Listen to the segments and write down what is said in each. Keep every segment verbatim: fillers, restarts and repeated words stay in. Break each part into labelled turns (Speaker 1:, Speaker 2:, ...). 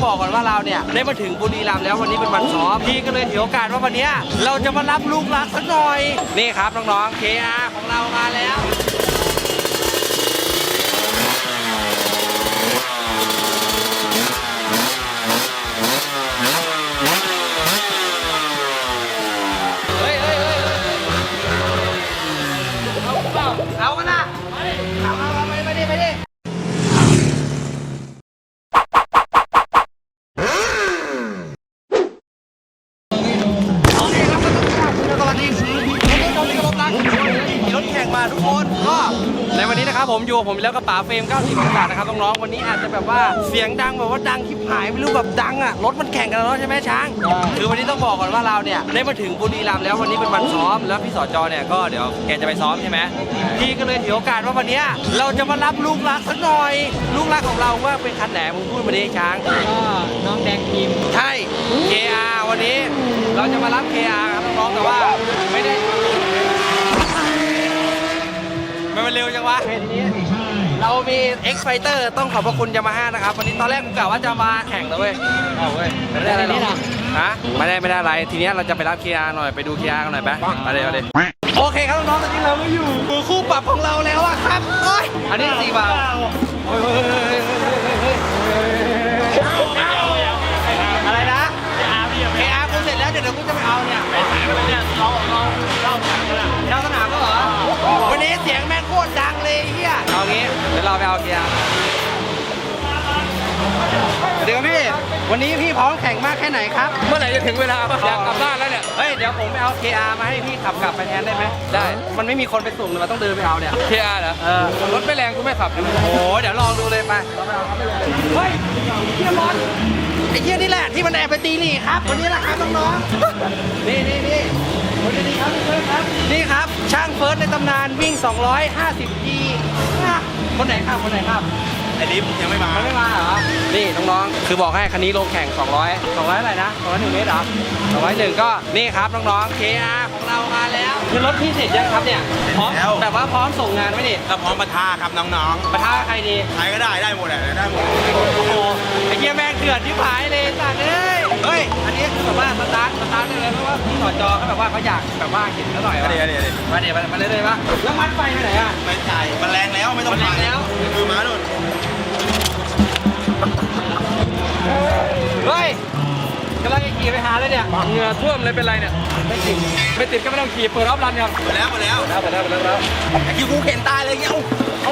Speaker 1: บอกก่อนว่าเราเนี่ยได้มาถึงบุรีรัมย์แล้ววันนี้เป็นวันซ้อมพี่ก็เลยถือโอกาสว่าวันนี้เราจะมารับลูกรักสักหน่อยนี่ครับน้องๆ เค อาร์ ของเรามาแล้วเอากันนะเอาเอาเอาไปไปดิไปดิโอเคครับสวัสดีครับวันนี้เรามีรถแข่งมาทุกคนก็ในวันนี้นะครับผมอยู่ผมแล้วกระป๋าเฟรมเก้าสิบองศานะครับน้องๆวันนี้อาจจะแบบว่าเสียงดังแบบว่าดังคลิปหายไม่รู้แบบดังอ่ะรถมันแข่งกันแล้วใช่ไหมช้างคือวันนี้ต้องบอกก่อนว่าเราเนี่ยได้มาถึงบุรีรัมย์แล้ววันนี้เป็นวันซ้อมแล้วพี่สจเนี่ยก็เดี๋ยวแกจะไปซ้อมใช่ไหมพี่ก็เลยถือโอกาสว่าวันนี้เราจะมารับลูกรักสักหน่อยลูกรักของเราว่าเป็นคันไหนมึงพูดมาดิช้าง
Speaker 2: ก็น้องแดงทีม
Speaker 1: ใช่ เค อาร์ วันนี้เราจะมารับ เค อาร์ ครับน้องๆแต่ว่าไม่ได้มันเร็วจังวะทีนี้เรามี X Fighter ต้องขอบพระคุณยามาฮ่านะครับวันนี้ตอนแรกกูกะว่าจะมาแข่งเลยเว้ยเอาเว้ยไม่ได้อะไรหรอกฮะไม่ได้ไม่ได้อะไรทีนี้เราจะไปรับ เค อาร์ หน่อยไปดู เค อาร์ กันหน่อยไปไปเลยไปเลยโอเคครับน้องๆตอนนี้เราไม่อยู่มือคู่ปรับของเราแล้วอะครับโอ้ยอันนี้สี่บาทอะไรนะ เค อาร์ กูเสร็จแล้วเดี๋ยวกูจะไปเอาเนี่ยไปไหนไปเนี่ยเราเราเราเจ้าสนามก็เหรอวันนี้เสียงแม่งโคตรดังเลยเฮียเอางี้เดี๋ยวเราไปเอา เค อาร์ เดี๋ยวพี่วันนี้พี่พร้อมแข่งมากแค่ไหนครับเมื่อไหร่จะถึงเวลาอยากกลับบ้านแล้วเนี่ยเฮ้ยเดี๋ยวผมไปเอา เค อาร์ มาให้พี่ขับกลับไปแทนได้ไหมได้มันไม่มีคนไปส่งเลยมันต้องเดินไปเอาเนี่ย
Speaker 2: เค อาร์ เหรอ
Speaker 1: เออ
Speaker 2: รถไม่แรงกูไม่ขับโอ้
Speaker 1: โหเดี๋ยวลองดูเลยไปเฮ้ยเฮียบอลไอ้เฮียนี่แหละที่มันแอบไปตีนี่ครับวันนี้แหละครับน้องๆนี่นี่นี่วันนี้ครับเฟิร์สครับนี่ครับช่างเฟิร์สในตำนานวิ่งสองร้อยห้าสิบ จี คนไหนครับคนไหนครับ
Speaker 2: ไอ้ลิฟยังไม่มา
Speaker 1: ไม่มาเหรอนี่น้องๆคือบอกให้คันนี้ลงแข่งสองร้อย สองร้อยอะไรนะสองร้อยหนึ่งเมตรเหรอสองร้อยหนึ่งก็นี่ครับน้องๆ เค อาร์ ของเรามาแล้วคือรถพี่เสร็จยังครับเนี่ยพร้อมแบบว่าพร้อมส่งงานไหมนี่
Speaker 2: ก็พร้อมปะทะครับน้อง
Speaker 1: ๆปะทะใครดี
Speaker 2: ใครก็ได้ได้หมดแหละได้หมด
Speaker 1: โอ้โหไอ้เหี้ยแม่งเดือดที่ผายเลยสัตว์เอ้ยเฮ้ยอันนี้คือแบบว่าสตาร์ทสตาร์ทเลยเพราะว่าพี่สจเขาแบบว่าเขาอยากแบบว่าเห็นเขาหน่อยว่าเดี๋ยวเดี๋ยวมาเดี๋ยวมาเลยเลยปะแล้วมัดไฟไปไหนอ่ะ
Speaker 2: ไม่ใช่มันแรงแล้วไม่ต้อง
Speaker 1: มันแรงแล้ว
Speaker 2: คือม้าโดน
Speaker 1: เฮ้ยกำลังจะขี่ไปหาเลยเนี่ย
Speaker 2: เหงื่อท่วมเลยเป็นไรเนี่ย
Speaker 1: ไม่ติดไม่ติดก็ไม่ต้องขี่เปิดรอบรันยัง
Speaker 2: หมดแล้วหมดแล้ว
Speaker 1: หมดแล้วหมดแล้วหมดแล้ว
Speaker 2: ไอ้คิวกูเข็นตายเลยเงี้ยเอา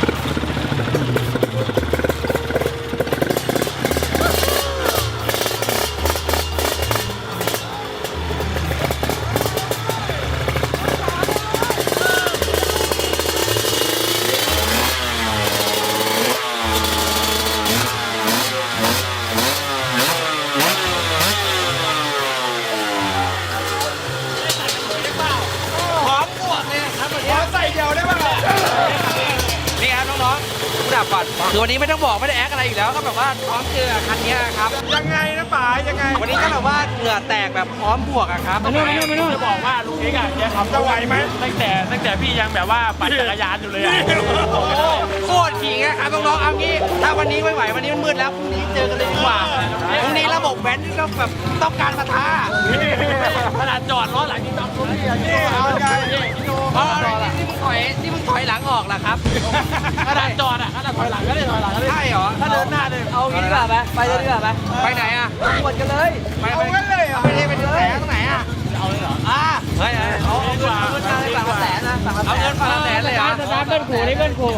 Speaker 1: ก่อนคือวันนี้ไม่ต้องบอกไม่ได้แอคอะไรอยู่แล้วก็แบบว่าพร้อมเจอคันนี้ครับ
Speaker 2: ยังไงนะป๋ายังไง
Speaker 1: วันนี้ก็แบบว่าเหงื่อแตกแบบพร้อมบวกอะครับ
Speaker 2: ไม่ไม่ไม่จะบอกว่าลุงเอกอะแกขับจะไหวไหมตั้งแต่ตั้งแต่พี่ยังแบบว่าปั่นจักรยานอยู่เลยอะ
Speaker 1: โคตรขี่ไงครับน้องๆเอางี้ถ้าวันนี้ไม่ไหววันนี้มันมืดแล้วพรุ่งนี้เจอกันเลยดีกว่าพรุ่งนี้ระบบแว้นที่เราแบบต้องการปะทะ
Speaker 2: ขนาดจอดล้อหลังที่ต้องรถนี่เอาไง
Speaker 1: อ๋อที่มึงถอยที่มึงถอยหลังออกล่ะครับ
Speaker 2: ขนาดจอดอะขนาดถอยหลังก็ได้ถอยหลังก็ได้
Speaker 1: ใช่เหรอ
Speaker 2: ถ้าเดินหน้าเลย
Speaker 1: เอางี้ดีกว่าไหมไปเลยดีกว่าไหมไปไหนอ่ะปวดกันเลยไปไปเลยไปเลยไปเลยตรงไหนอ่ะ
Speaker 2: เอาเลยเหรอ
Speaker 1: อ่าเฮ้ยเอาเอาเงินเอาเงินมาเลยฝั่งละแสนนะฝั่งละแสนเอาเงินฝั่งละแสนเลยเหรอ
Speaker 2: สตาร์ทเบิ้ลขู่นี่เบิ้ลขู่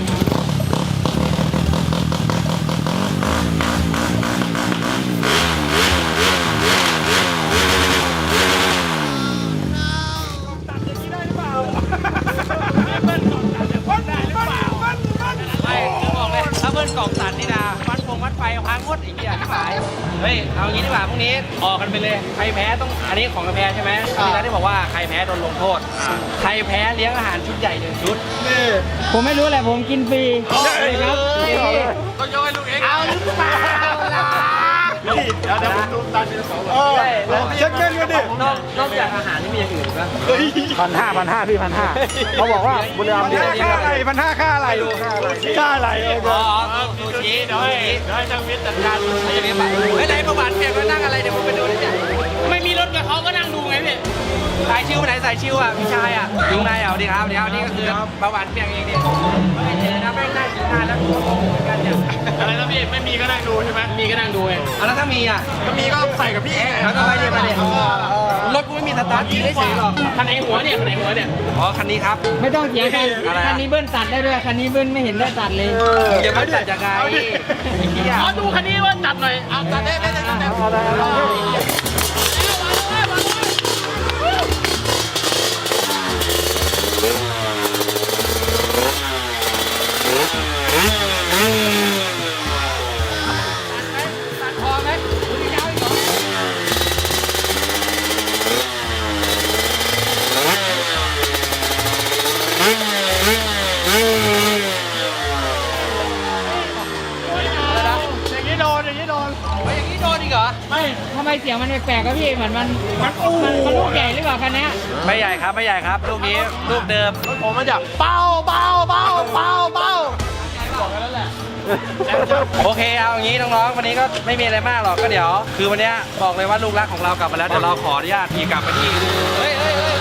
Speaker 1: กล่องตัดนี่นะวัดพงวัดไฟพังหมดอีกอย่างที่หมายเฮ้ยเอางี้ดีกว่าพรุ่งนี้ออกกันไปเลยใครแพ้ต้องอันนี้ของแพ้ใช่ไหมที่ร้านที่บอกว่าใครแพ้โดนลงโทษใครแพ้เลี้ยงอาหารชุดใหญ่หนึ่งชุด
Speaker 2: ผมไม่รู้แหละผมกินฟรี
Speaker 1: ใช่ครับ
Speaker 2: ต้องโยนให้ลูกเอง
Speaker 1: เอาหรือเปล่าล่ะ
Speaker 2: ยวเดี๋ยวผมดูตามเป็นสอง
Speaker 3: เออเช็คเงินกันดิ
Speaker 1: นอกนอกจากอาหารนี่มีอย่างอื่นปะ
Speaker 3: พันห้าพันห้าพี่พันห้าเขาบอกว่าบุรีรัมย์ดีค่าอะไรพันห้าค่าอะไรค่าอะไรเออ
Speaker 1: อ๋อซูชิ
Speaker 2: เดี๋ยวให้เดี๋ยวให้ช่างวิทย์จัดการ
Speaker 1: ไม่ใช่แบบเฮ้ยไหนประวัติเพียงว่านั่งอะไรเดี๋ยวผมไปดูดิเนี่ยไม่มีรถกับเขาก็นั่งดูไงพี่สายชิวไปไหนสายชิวอ่ะพี่ชายอ่ะอยู่ไหนอ่ะสวัสดีครับเดี๋ยวนี่ก็คือประวัติเพียงเองดิไม่เจอนะแม่งนั่งกินนานแล้วตัวเหมือนกันเนี่ย
Speaker 2: อะไรนะพี่ไม่มีก็นั่งดูใช่ไหม
Speaker 1: มีก็นั่งดูเองเอาแล้วถ้ามีอ่ะ
Speaker 2: ก็มีก็ใส่กับพี่
Speaker 1: แล้วก็ไปเดี๋ยวไปเดี๋ยวรถกูไม่มีสตาร์ทยิงได้เฉยหรอก
Speaker 2: คันไหนหัวเนี่ยคันไหนหัวเนี่ย
Speaker 1: อ๋อคันนี้ครับ
Speaker 4: ไม่ต้องเถียงกัน
Speaker 1: อะไรอะ
Speaker 4: คันนี้เบิ้ลตัดได้ด้วย คันนี้เบิ้ลไม่เห็นได้ตัดเลย
Speaker 1: อย่ามาจัดยังไงไอ้เหี้ย
Speaker 2: ขอดูคันนี้ว่าจัดหน่อยเอาจัดได้ได้ได้ได้
Speaker 3: เอาได้เอาได้
Speaker 1: ตัดคอไหมคุณยาวอีกเหรออะไรนะ
Speaker 2: อย่างนี้โดนอย่างนี้โดน
Speaker 1: เฮ้ยอย่างนี้โดนอีกเหรอ
Speaker 4: ไม่ทำไมเสียงมันแปลกๆครับพี่ เหมือนมันมันมันมันลูกใหญ่หรือเปล่าคันเนี้ย
Speaker 1: ไม่ใหญ่ครับไม่ใหญ่ครับลูกนี้ลูกเดิม
Speaker 2: ผมมาจากเป้าเป้าเป้าเป้าเป้า
Speaker 1: โอเคเอาอย่างนี้น้องๆวันนี้ก็ไม่มีอะไรมากหรอกก็เดี๋ยว คือวันเนี้ยบอกเลยว่าลูกรักของเรากลับมาแล้วเดี๋ยวเราขออนุญาตขี่กลับไปที่เฮ้ยเฮ้ยเฮ้ย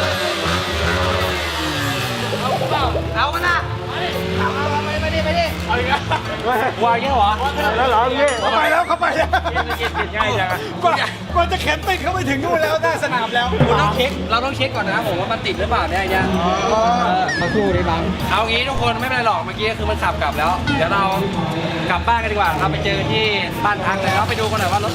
Speaker 1: เอากันนะเอาเอาไปไปดิไปดิ
Speaker 2: เอาอีกแล้ว
Speaker 1: วางเงี้ยเหรอ
Speaker 3: แล้วเหรอพี่เขาไปแล้วเขาไปแล้ว
Speaker 2: ง่ายจังอะ
Speaker 3: กว่ากว่าจะเข็นติดเข้าไปถึงนู่นแล้วหน้าสนามแล้ว
Speaker 1: คุณต้องเช็คเราต้องเช็คก่อนนะผมว่ามันติดหรือเปล่าเนี่ยไอ้เนี่ยเออ
Speaker 4: มาสู้ดิบัง
Speaker 1: เอางี้ทุกคนไม่เป็นไรหรอกเมื่อกี้คือมันขับกลับแล้ว เดี๋ยวเรากลับบ้านกันดีกว่าครับไปเจอที่บ้านพักเลยแล้วไปดูกันหน่อยว่ารถ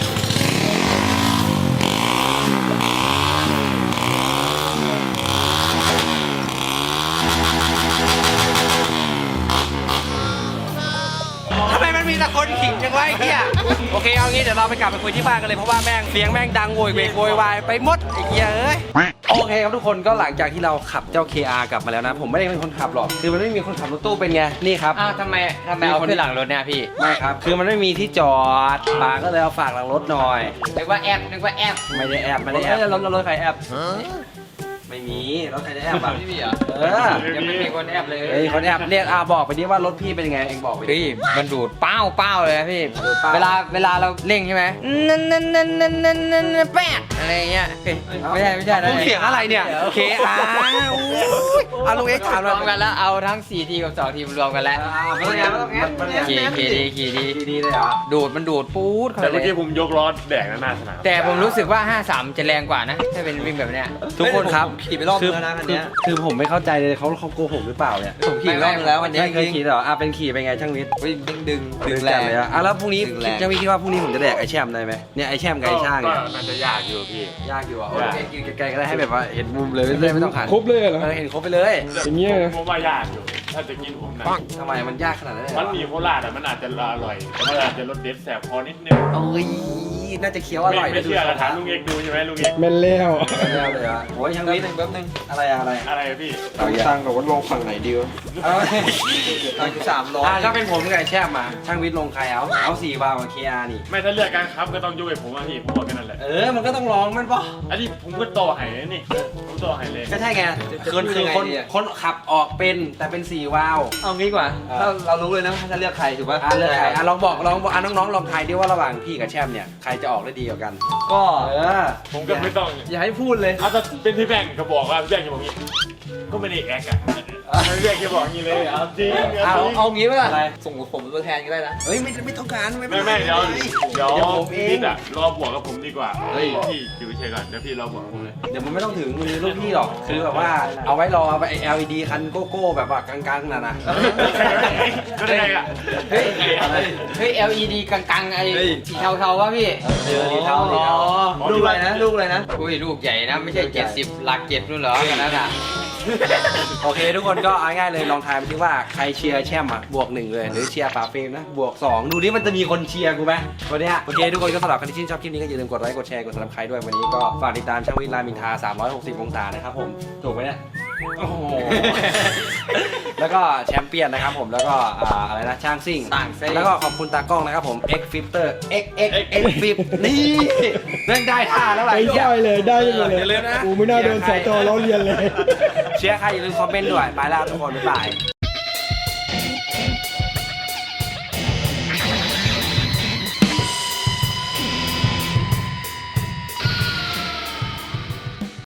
Speaker 1: ทำไมมันมีแต่คนขิงจังวะไอ้เหี้ยโอเคเอางี้เดี๋ยวเราไปกลับไปคุยที่บ้านกันเลยเพราะว่าแม่งเสียงแม่งดังโวยเวกโวยวายไปหมดไอ้เหี้ยเอ้ยโอเคครับทุกคนก็หลังจากที่เราขับเจ้า เค อาร์ กลับมาแล้วนะ ผมไม่ได้เป็นคนขับหรอกคือมันไม่มีคนขับรถตู้เป็นไงนี่ครับ
Speaker 4: อ้าวทำไมทำไมเอาขึ้นหลังรถเนี่ยพี่
Speaker 1: ไม่ครับคือมันไม่มีที่จอดปาก็เลยเอาฝากหลังรถหน่อย
Speaker 4: นึกว่าแอปนึกว่าแอป
Speaker 1: ไม่ได้แอบไม่ได้แอบรถรถใครแอบไม่มีรถใครจะแอบอ่ะ
Speaker 4: ไม่มีเหรอ
Speaker 1: เออ
Speaker 4: ยังไม่มีคนแอปเลย
Speaker 1: เฮ้ยคนแอบเรียกอาบอกไปดิว่ารถพี่เป็นยังไงเองบอกไปดิ
Speaker 4: พี่มันดูดเป้าเป้าเลยนะพี่
Speaker 1: ดูดเป้า
Speaker 4: เวลาเวลาเราเร่งใช่ไหมนั่นนั่นนั่นนั่นนั่นนั่นแปดอะไรเงี้ยเฮ้ยไม่ใช่ไม่ใช่นะ
Speaker 1: มึงเสียงอะไรเนี่ย เค อาร์ เอาลุงเอ็กซ์ถาม
Speaker 4: ร
Speaker 1: เรา
Speaker 4: วมกันแล้วเอาทั้งสี่ทีกับสองทีมรวมกันแล้ว
Speaker 1: ไม่ต้องแอบไม่ต้องแอบมันแอบ
Speaker 4: ขี่ขี่ดีขี่ดี
Speaker 1: ดีเลยเหรอ
Speaker 4: ดูดมันดูดปู๊ดเข้า
Speaker 2: แต่
Speaker 4: ไป
Speaker 2: เมื่อ
Speaker 4: เล
Speaker 2: กี้
Speaker 4: ย
Speaker 2: ผมยกล้อแดกหน้าสนาม
Speaker 4: แต่ผมรู้สึกว่าห้าสามจะแรงกว่านะถ้าเป็นวิ่งแบบเนี้ย
Speaker 1: ทุกคนครับ
Speaker 5: ขี่ไปรอบนึงแล้วนะคันเนี้ย
Speaker 1: คือผมไม่เข้าใจเลยเขาเขาโกหกหรือเปล่าเนี่ย
Speaker 5: ผมขี่รอบนึงแล้ววันนี้
Speaker 1: ไม่เคยขี่เหรออ่ะเป็นขี่เป็นไงช่างวิทย์
Speaker 5: ดึงดึงดึง
Speaker 1: ดึ
Speaker 5: ดึ
Speaker 1: ง
Speaker 5: ง
Speaker 1: แร
Speaker 5: แรง ง
Speaker 1: เลยอ่ะอ่ะแล้วพรุ่งนี้
Speaker 5: ดึงแรง
Speaker 1: ช่างวิทย์คิดว่าพรุ่งนี้ผมจะแดกไอแช่มได้ไหมเนี่ยไอแช่มกับไอช่าง
Speaker 2: ก็
Speaker 1: เนี่ย
Speaker 2: มันจะยากอยู่พี่
Speaker 1: ยากอยู่อ่ะโอ้
Speaker 2: ยาก
Speaker 1: ยกินไกลๆก็ได้ให้แบบว่าเห็นมุมเลยไม่ได้ไม่ต้องหัน
Speaker 3: ครบเลยเหรอ
Speaker 1: เออเห็นครบไปเลย
Speaker 3: อย่างเงี้ย
Speaker 2: ผมว่ายากอยู่ ถ้าจะกินผมนะ
Speaker 1: ทำไมมันยากขนาดนั้นเลยเหร
Speaker 2: มั
Speaker 1: อน
Speaker 2: มีโคราชอ่ะมันอาจจะอร่อยมันอาจจะรสเด็ดแสบคอนิดนึง
Speaker 1: โอ้ยน่าจะเคี้ยวอ
Speaker 2: ไม่
Speaker 1: ร่อย
Speaker 2: ไม่เชื่อเราถามลุงเอกดูใช่ไหมลุงเอก
Speaker 3: แม่นแล้ว
Speaker 1: ไม่เอาเลยอ่ะโอ้ยช่างวิทย์
Speaker 5: แป๊บนึง
Speaker 1: อะไรอะอะไร
Speaker 2: อะไรอะพี่
Speaker 1: เอาอย่าง
Speaker 5: ตั้งกับว่าลงฝั่งไหนดีวะ
Speaker 1: เอา
Speaker 5: ตั้งอยู่สามร้อย
Speaker 1: อ่ะถ้าเป็นผมกับไอแช่มมาช่างวิทย์ลงใครเอาเอาสี่วาล์วกับเคอาร์นี่
Speaker 2: ไม่ถ้าเลือกการครับก็ต้องยุ่ยผมว่าพี่ผมบอกแค่นั้นแหละ
Speaker 1: เออมันก็ต้องลองมันป่ะ
Speaker 2: อันนี้ผมก็ต่อไห้นี่ผมต่อไห้เลย
Speaker 1: ก็ใช่ไงคือคือคนคนขับออกเป็นแต่เป็นสี่วาล์ว
Speaker 5: เอางี้ดีกว่า
Speaker 1: เออ
Speaker 5: ถ้าเรารู้เลยนะถ้าเลือกใครถูกป่ะ
Speaker 1: อ่ะเลือกใครอ่ะลองบอกลองบอกอ่ะน้องๆลองทายดิว่าระหว่างพี่กับแชมป์เนี่ยใครจะออกได้ดีกว่ากัน
Speaker 5: ก็
Speaker 1: เออ
Speaker 2: ผมก็ไม่ต้อง
Speaker 5: อย่าให้พูดเลย
Speaker 2: เอาแต่เป็นพี่แบงก์ก็บอกว่าพี่แบงก์จะบอกงี้ก็ไม่ได้แอกอะพี่แบงก์จะบอกงี้เลยเอาจริง
Speaker 5: เอา
Speaker 2: เอาจริง
Speaker 5: เอางี้ป่ะ
Speaker 1: อะไร
Speaker 5: ส่งผมตัวแทนก็ได้นะ
Speaker 1: เฮ้ยไม่ไม่ต้องการไม่
Speaker 2: ไม่ไม่เดี๋ยวเดี๋ยว
Speaker 1: เดี๋ยวผมเอ
Speaker 2: พี่
Speaker 1: ง
Speaker 2: อะรอบวกกับผมดีกว่าเฮ้ยพี่อยู่เฉยๆก่อนเดี๋ยวพี่รอบวกกับผมเลย
Speaker 1: เดี๋ยวมันไม่ต้องถึงมือลูกพี่หรอกคือแบบว่าเอาไว้รอไป แอล อี ดี คันโกโก้แบบว่ากลางๆน่ะนะ
Speaker 2: ก็ได้อะ
Speaker 4: เฮ้ย
Speaker 2: อะไร
Speaker 4: เฮ้ย แอล อี ดี กังๆไอ้สีเทาๆวะพี่
Speaker 1: เออดีเท่าดีเท่า
Speaker 5: ลูกอะไรนะลูกอะไรนะ
Speaker 4: อุ้ยลูกใหญ่นะไม่ใช่เจ็ดสิบหลักเจ็ดนู่นเหรอกันนั้นอ่ะ
Speaker 1: โอเคทุกคนก็เอาง่ายๆเลยลองทายไปที่ว่าใครเชียร์แชมป์อ่ะบวกหนึ่งเลยหรือเชียร์ฝาเฟรมนะบวกสองดูดิมันจะมีคนเชียร์กูไหมวันเนี้ยโอเคทุกคนก็สำหรับใครที่ชื่นชอบคลิปนี้ก็อย่าลืมกดไลค์กดแชร์กดซับสไครต์ด้วยวันนี้ก็ฝากติดตามช่างวิทย์รามอินทราสามร้อยหกสิบองศานะครับผมถูกไหมเนี่ยโอ้โห แล้วก็แชมเปี้ยนนะครับผมแล้วก็อ่าอะไรนะช่างซิ่ง
Speaker 4: ต่างซิ่ง
Speaker 1: แล้วก็ขอบคุณตากล้องนะครับผม X Filter X X X Flip นี่เรื่องได้ท่าแล้วล่ะ
Speaker 3: ไอ้ได้เลยได้เลย
Speaker 1: อย่าลืมนะ
Speaker 3: กูไม่น่าโดนสจล้อเลียนเลย
Speaker 1: เชียร์ใครอย่าลืมคอมเมนต์ด้วยไปแล้วทุกคนบ๊ายบาย